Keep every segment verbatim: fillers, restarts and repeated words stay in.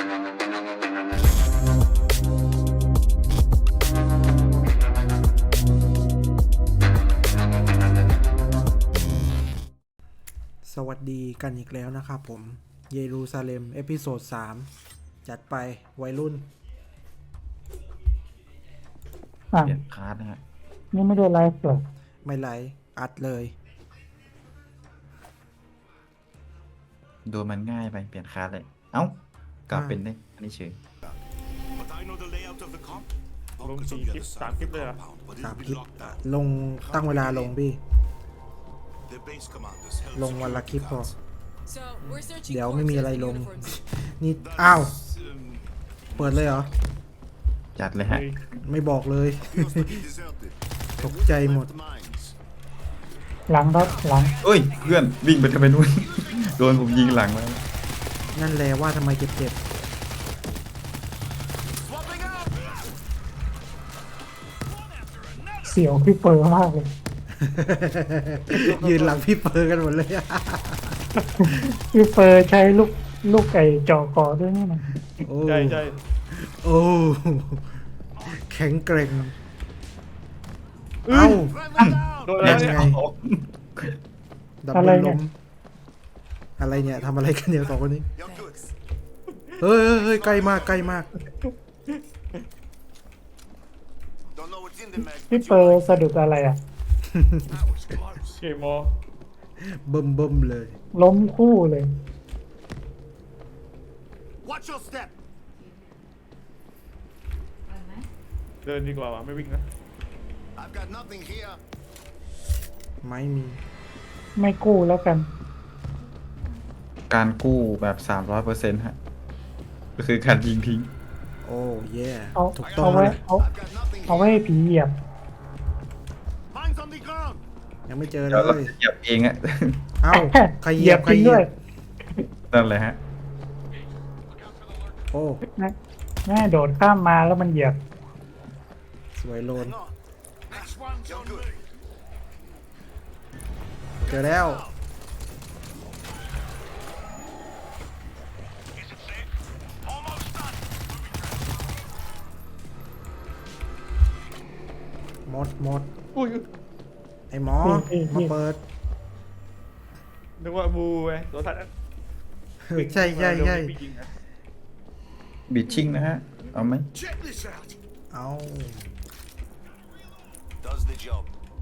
สวัสดีกันอีกแล้วนะครับผมเยรูซาเล็มเอพิโซดสามจัดไปวัยรุ่นอ่ะเปลี่ยนคาร์ดนะฮะนี่ไม่ได้ไลฟ์เหรอไม่ไหลอัดเลยดูมันง่ายไปเปลี่ยนคาร์ดเลย เอ้ากลับเป็นได้อันนี้เฉย But I know the layout of the comp. ลง Bunker's สี่ on the คลิป other สาม side คลิ of ป the เลยเหรอ compound, but สาม it'll คลิ be ป locked down. ลงตั้งเวลาลงพี่ The base commanders held ลงวันละคลิปพอ So we're searching เดี๋ยวไม่มีอะไรลง uniforms. นี่อ้าว um, เปิดเลยเหรอจัดเลยฮะไม่บอกเลย Mostly deserted. ตกใจหมด Left mines. หลังครับหลังเอ้ย เพื่อนวิ่งไปทำไมนู่น โดนผมยิงหลังมานั่นแหละว่าทำไมเจ็บเจ็บ Swapping out. เสียวพี่เปอร์มากเลยยืนหลังพี่เปิดกันหมดเลยพี่เปอร์ใช้ลูกลูกไก่จ่อคอด้วยนี่นะโอ้ใช่ใช่โอ้แข็งเกร็งเอ้า Friendly down. โดนอะไรยังเนี่ยไง ดับเบิลล้มอะไรเนี่ยทำอะไรกันเนี่ยสองคนนี้ You're good. เฮ้ยเฮ้ยเฮ้ยใกล้มากใกล้มาก Don't know what's in the mag. พี่เปอร์สะดุดอะไรอ่ะ That was close. เกมมอเบิ่มเบิ่มเลยล้มคู่เลย Watch your step. เดินดีกว่าวะไม่วิ่งนะ I've got nothing here. ไม่มีไม่กู้แล้วกันการกู้แบบ สามร้อยเปอร์เซ็นต์ ฮะ ก็คือการยิงทิ้งโอ้เย่เอาถูกต้อเอางไว้เลยเอา I've got nothing เอาไว้ here. ให้ผีเหยียบ Mines on the ground. ยังไม่เจอเลเดี๋ยวเรายจะเหยียบเองอะเอ้าใครเหยียบใครจริงเหยีด้วย ยบนั่นแหละฮะโอ้นะแม่โดดข้ามมาแล้วมันเหยียบสวยโลน Hang on. Next one's on me. เจอแล้ว Is it safe? Almost done. หมดหมดอุ้ยไอ้หมอนี่นี่มาเปิดนึกว่าบูไงตัวทัดใช่ใช่ใช่วิ่งยิงนะบิดชิงนะฮะ เอาไหม Check this out. เอา Does the job.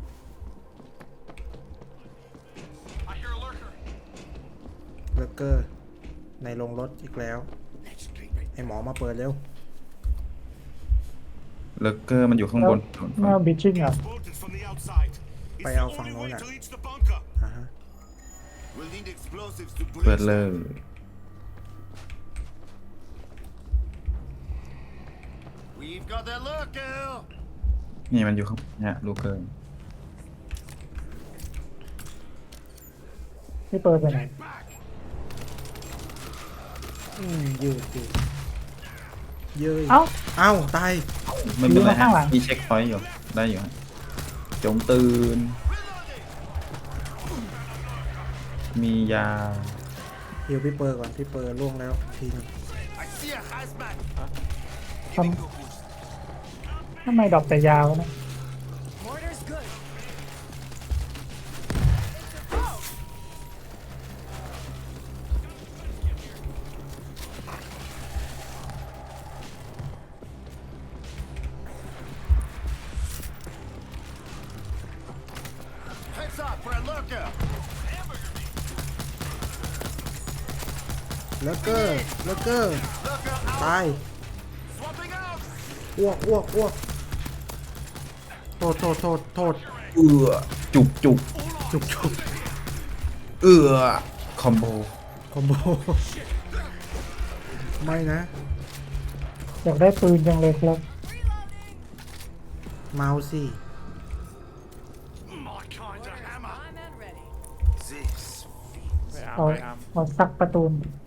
เบอร์เกอร์ในโรงรถอีกแล้ว Next treatment. ไอ้หมอมาเปิดเร็วเลเกอร์มันอยู่ข้างบนเมื่อบิชชิ่งอ่ะ Bolted from the outside. It's Phải the ao only ฝั่งโน้น way อะ to reach the bunker. อ่าฮะ We'll need explosives to เปิด breach เล them. ย We've got the lurker. นี่มันอยู่ข้างเนี่ยลูกเกอร์พี่เปอร์ไปไหน Back. อืมยืดยืดเย้ยเอ้าเอ้าตายไม่เป็นไรอยู่ข้าฮะงหลังมีเช็คพอยต์อยู่ ได้อยู่ฮะ จงตื่น มียาเดี๋ยวพี่เปิดก่อนพี่เปิดล่วงแล้วทีนึง I see a hazmat. ทำทำไมดอกแต่ยาวนะ Mortar's good. Heads up for a lurker. แล้วเกอร์แล้วเกอร์ Lurker out. ตาย Swapping out. อ้วกอ้วกอ้วกโทษโทษโทษโทษเอือจุกจุกจุกจุกเอือคอมโบคอมโบไม่นะอยากได้ปืนจังเลยครับเมาส์สิ My kind of hammer. I'm and ready. This. ไปอาร์มเอาไปอาร์มเอาซักประตูน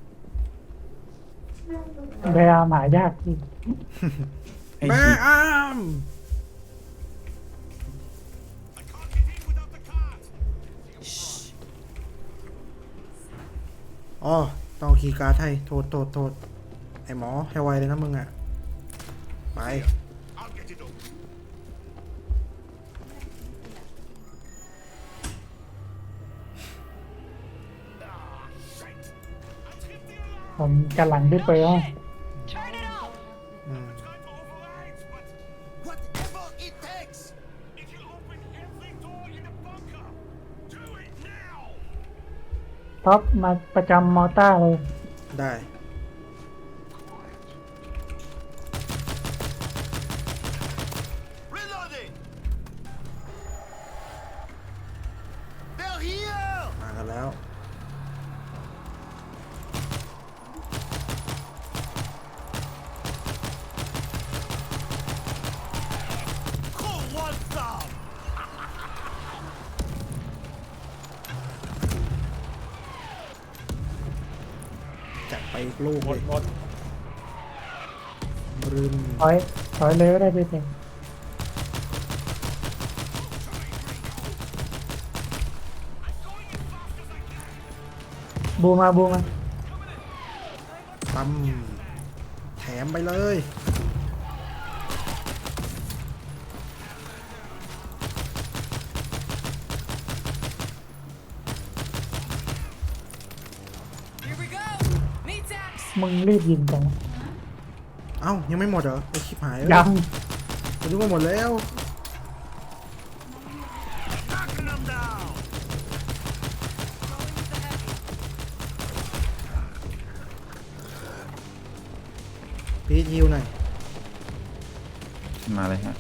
พยายามหายากที่ไอ้แม่ชิอ้าม I can't get in without the cart. อ๋อต้องคีย์การ์ดให้โทษโทษโทษไอหมอให้ไวเลยนะมึงอ่ะ ไป I'll get it up. Ah, shit. I tripped the alarm. ผมกันหลังพี่เปิร์ Turn it off. อืม Try to override, but whatever it takes. It will open every door in the bunker. Do it now. ท็อปมาประจำมอต้าเลยได้ Reloading. They're here. มากันแล้ว Who wants some? จัดไปอีกลูกหมเลดยหมดบรึนถอยถอยเลยก็ได้พี่เปิร์บูมาบูมาตั้มแถมไปเลย Here we go. Meat axe. มึงรีบยิงจังเอ้า ยังไม่หมดเหรอไอชิบหายยังผมนึกว่าหมดแล้ว Knocking them down. Going with the heavy. พีทฮิวหน่อยมาเลยฮะ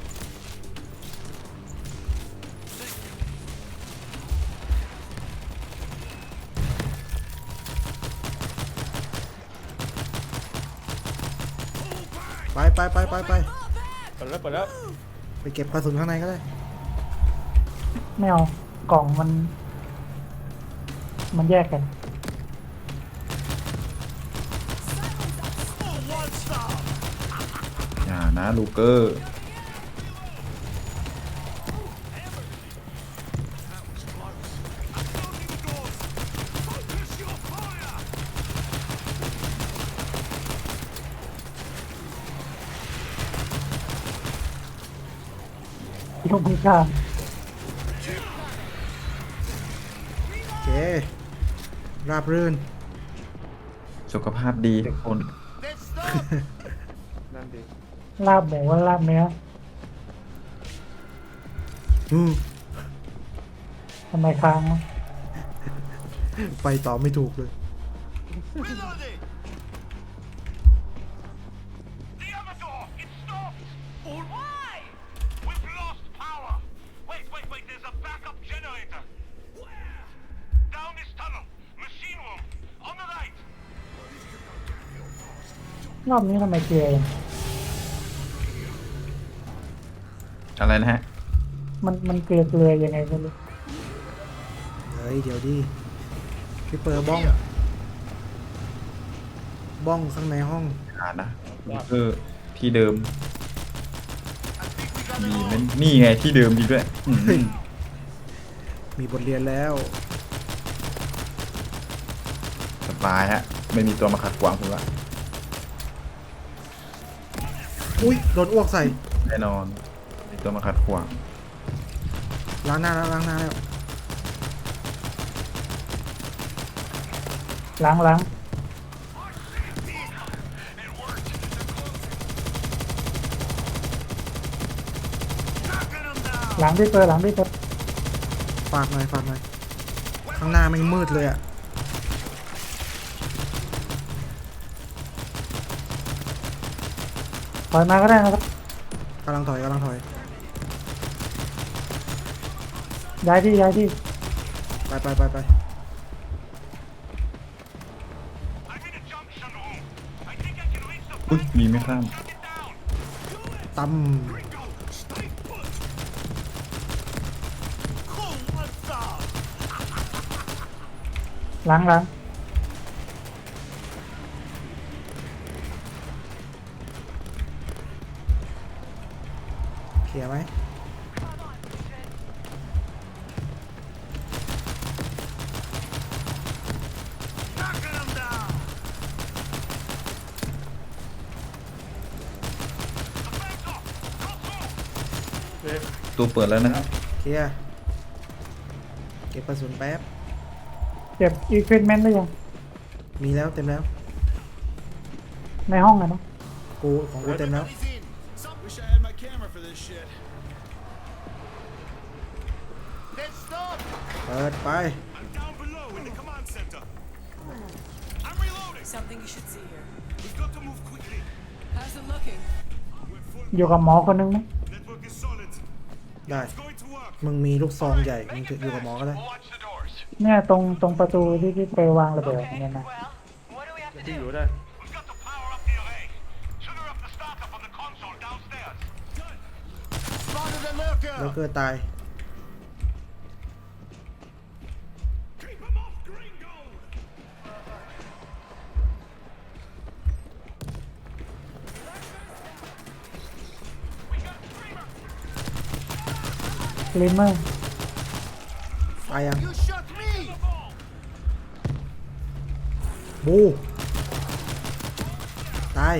ไปไปไปไปไปเปิดแล้วเปิดแล้วไปเก็บกระสุนข้างในก็ได้ไม่เอากล่องมัน มันแยกกัน Who wants some? อย่านะลูเกอร์ Closing the doors. Focus your fire. ยกมือข้ามโอเค ราบรื่นสุขภาพดีทุกคน Let's stop. นั่นดีลาบหมูว่าลาบเนื้ออืมทำไมค้างวะไปต่อไม่ถูกเลย Reloading. The other door. It's stopped. Why? We've lost power. Wait, wait, wait. There's a backup generator. Where? Down this tunnel. Machine room. On the right. รอบนี้ทำไมเกลือยังอะไรนะฮะมันมันเกลือเกลือยังไงไม่รู้เฮ้ย เดี๋ยวดิ พี่เปิดบ้อง บ้องข้างในห้องหานะลูเกอร์ที่เดิม I think we got มี it มั all. นนี่ไงที่เดิมดีด้วยอืมเฮ้ย มีบทเรียนแล้วสบายฮะ ไม่มีตัวมาขัดขวางผมละอุ้ย โดนอ้วกใส่แน่นอนไม่มีตัวมาขัดขวางล้างหน้าแล้วล้างหน้าแล้วล้างล้าง Knocking them down. ล้างพี่เปิร์หลังพี่เปิร์ฝากหน่อยฝากหน่อย ข้างหน้าไม่งมืดเลยอะถอยมาก็ได้นะครับกำลังถอยกำลังถอยย้ายที่ย้ายที่ไปไปไปไป I'm in a junction room. I think I can reach the อุ้ยมีไม่ข้าม Shut it down. ตั้ม Gringo, stay put. Who wants some? ล้างล้างเคลียร์ไหม Knocking them down. เอ๊ะตัวเปิดแล้วนะครับเคลียร์เก็บกระสุนแป๊บเก็บอีควิปเมนต์ได้ยังมีแล้วเต็มแล้วในห้องอะเนาะกูของกูเต็มแล้ว Everybody's in. Wish I had my camera for this shit. Let's stop. เปิดไป I'm down below in the command center. I'm reloading. Something you should see here. We've got to move quickly. How's it looking? We're full. อยู่กับหมอคนนึงไหม Network is solid. ได้ It's going to work. มึงมีลูกซองใหญ่มึงอยู่กับหมอก็ได้ Watch the doors. เนี่ยตรงตรงประตูที่พี่เปวางระเบิดเนี่ยนะ Well, what do we have to ที่อยู่ do? ได้ We've got to power up the array. Trigger up the startup on the console downstairs. Done. Spotted a แล้ว lurker. เกิดตาย Keep him off, Gringo. We got Screamer. ลิมเมอร์ตายยัง You shot me. บู ตาย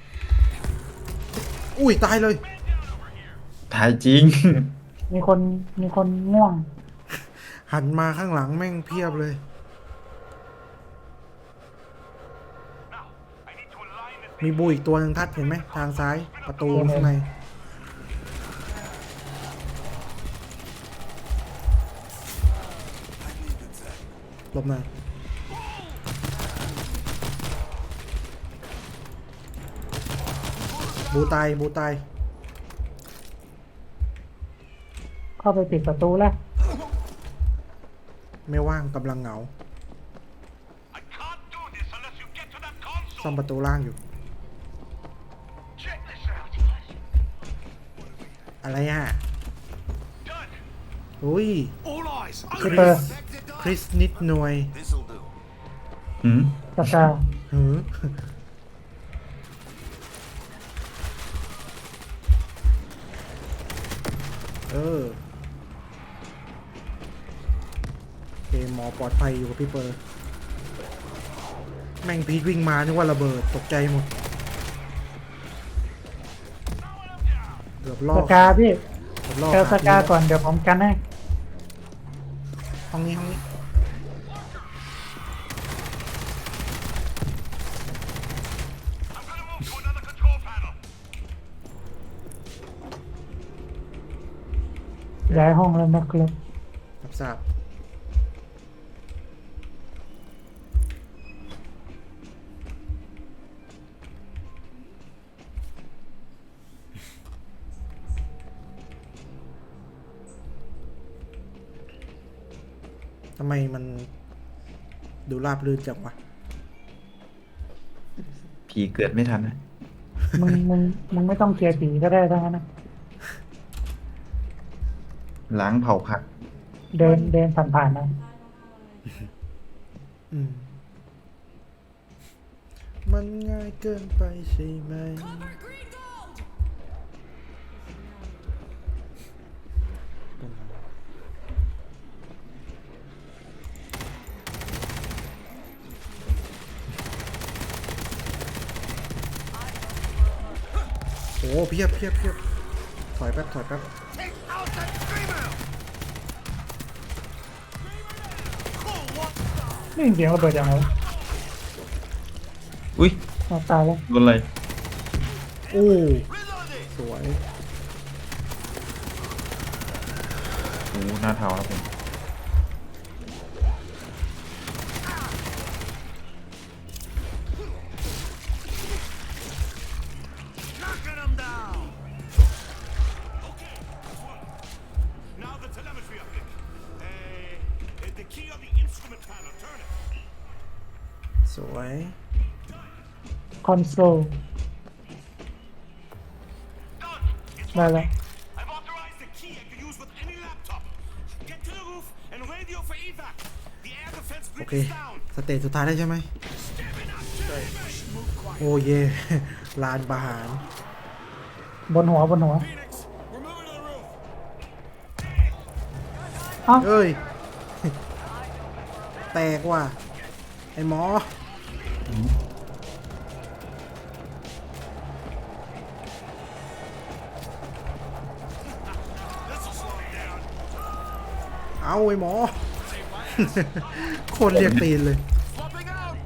อุ้ย ตายเลยถ่ายจริงมีคนมีคนง่วงหันมาข้างหลังแม่งเพียบเลย Now, I need to align the มีบูอีกตัวหนึ่งทัดเห็นไหม ทางซ้าย ประตูข้างใน หลบหน่อย บูตาย บูตายเข้าไปปิดประตูแล้วไม่ว่างกำลังเหงา I can't do this unless you get to that console. ซ่อมประตูล่างอยู่ Check this out. อะไรอ่ะ Done. อุ้ย All eyes. พี่เปอร์คริสนิดหน่วย This'll do. หืมสกาหือ เออโอเคหมอปลอดภัยอยู่กับพี่เปอร์ แม่งพีทวิ่งมานึกว่าระเบิดตกใจหมดเกือบล่อสกาพี่เกือบล่อเจอสขกาพี่ก่อนเดี๋ยวผมกันให้ห้องนี้ห้องนี้ I'm gonna move to another control panel. ย้ายห้องแล้วนะครับรับทราบทำไมมันดูราบรื่นจังวะผีเกิดไม่ทันนะมึงมึงมึงไม่ต้องเคลียร์ผีก็ได้ทั้งนั้นนะล้างเผาผักเดินเดินผ่านๆนะอืม มันง่ายเกินไปใช่ไหม Cover green gold! โอ้เพียบเพียบเพียบถอยแป๊บถอยแป๊บ Take out that screamer. Cool. What? นี่ยินเสียงระเบิดยังไงวะอุ้ยเอาตายแล้วโดนอะไรโอ้ Reloading. สวยโอ้หน้าเทาแล้วผม Knocking them down. Okay. this one. Now the telemetry update. Uh, the key on the instrument panel. Turn it. สวยคอนโซล Done. It's ได้แล้ว I've authorized the key I can use with any laptop. Get to the roof and radio for evac. The air defense โอ bridge เค is down. สเตจสุดท้ายได้ใช่ไหม โอ้เย่ ลานประหารบนหัวบนหัว Phoenix, we're moving to the roof. เอ้าเอ้ย แตกว่ะ ไอ้หมอ Now เอาไอ้หมอ คนเรียกตีนเลย Swapping out.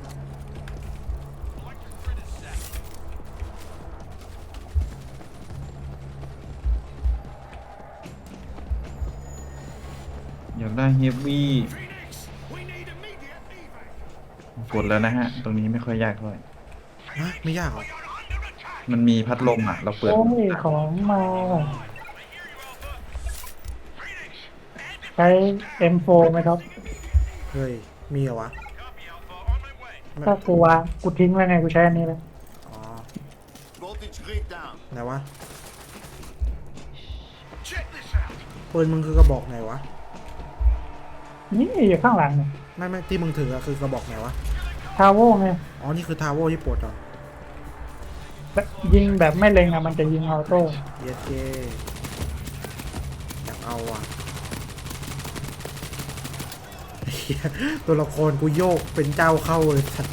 อยากได้เฮฟวี่ Phoenix, we need immediate evac. กดแล้วนะฮะ ตรงนี้ไม่ค่อยยากเท่าไหร่ฮะ ไม่ยากหรอ You're under attack. มันมีพัดลมอ่ะ เราเปิดโอ้ยของมา Phoenix, and ใช้ เอ็ม โฟร์ ไหมครับเฮ้ย มีเหรอวะ copy Alpha on my way. ถ้ากูวางกูทิ้งไว้ไงกูใช้อันนี้เลยอ๋อ Voltage grid down. ไหนวะ Check this out. ปืนมึงคือกระบอกไหนวะนี่อยู่ข้างหลังเนี่ยไม่ไม่ที่มึงถืออะคือกระบอกไหนวะทาวโวไงอ๋อ นี่คือทาโวที่ปลดเหรอแบบยิงแบบไม่เล็งอะมันจะยิงออโต้เยสเจอยากเอาอ่ะ เหี้ยตัวละครกูโยกเป็นเจ้าเข้าเลยสัตว์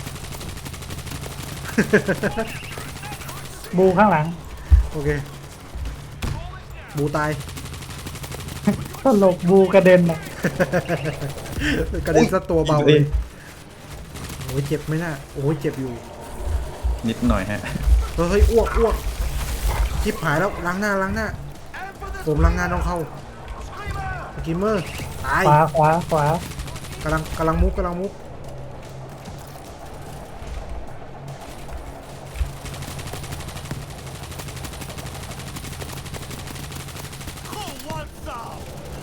บูข้างหลังโอเค บูตายตลกบูกระเด็นอะกระเด็นซะตัวเบาเลยโอ้ยเจ็บไหมน่ะโอ้ยเจ็บอยู่นิดหน่อยฮะเฮ้ยอ้วกอ้วกชิบหายแล้วล้างหน้าล้างหน้า ผมล้างหน้าต้องเข้าสกิมเมอร์ตายขวาขวาขวากำลังกำลังมุกกำลังมุก Cool, what's up?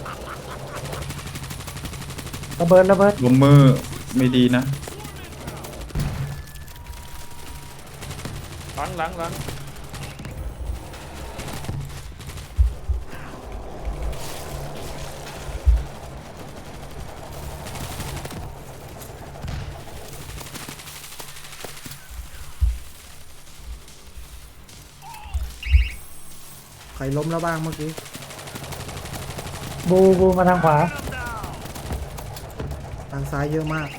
ระเบิดระเบิดลมมือไม่ดีนะหลังหลังหลังใครล้มแล้วบ้างเมื่อกี้บูบูมาทางขวาทางซ้ายเยอะมาก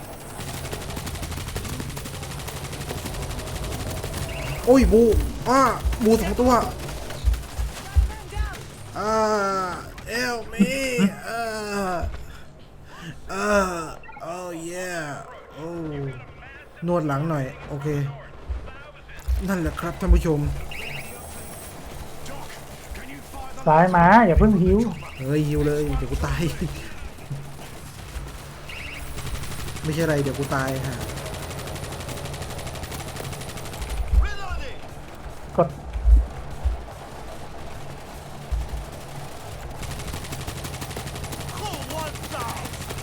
โอ้ยบูอ้าบูสองตัวอ่าเอลมีอ่าอ่าโอ้เย่โอ้นวดหลังหน่อย โอเค นั่นแหละครับท่านผู้ชมสายหมาอย่าเพิ่งหิวเฮ้ยฮิวเลย เดี๋ยวกูตาย ไม่ใช่อะไรเดี๋ยวกูตายฮะ Reloading. กด Cool, what's up?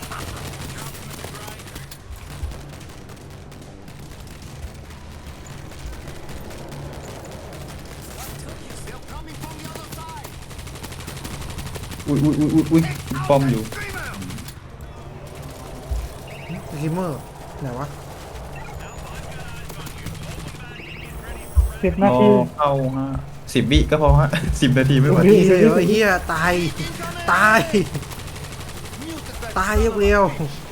อุ้ยอุ้ยอุ้ยอุ้ยอุ้ยป้อมอยู่สกิมเมอร์ไหนวะสิบรนาอทีเข้าฮะสิบวิก็พอฮะ สิบนาทีไม่ไหวนี่เลยเหรอเฮียตาย ตาย ตายเร็ว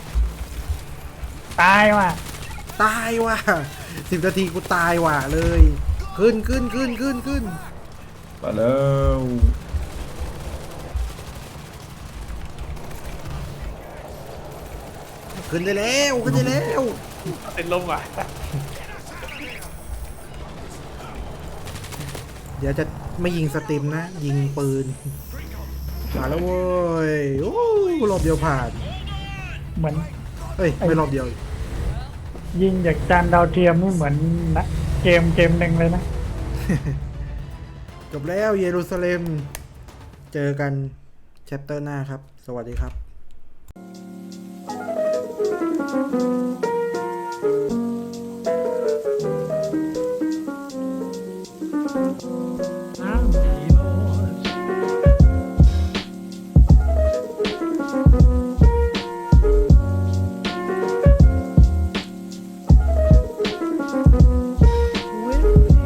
ตายว่ะๆตายว่ะสิบนาทีกูตายว่ะเลย ขึ้นขึ้นขึ้นขึ้นขึ้นไปแล้วขึ้นได้แล้วขึ้นได้แล้วติดลมว่ะเดี๋ยวจะไม่ยิงสตรีมนะ ยิงปืนผ่านแล้วเว้ยโอ้รอบเดียวผ่านเหมือนเฮ้ย ไม่รอบเดียวยิงจากจานดาวเทียมนี่เหมือนนะเกมเกมหนึ่งเลยนะจบแล้วเยรูซาเล็ม เจอกันแชปเตอร์หน้าครับ สวัสดีครับ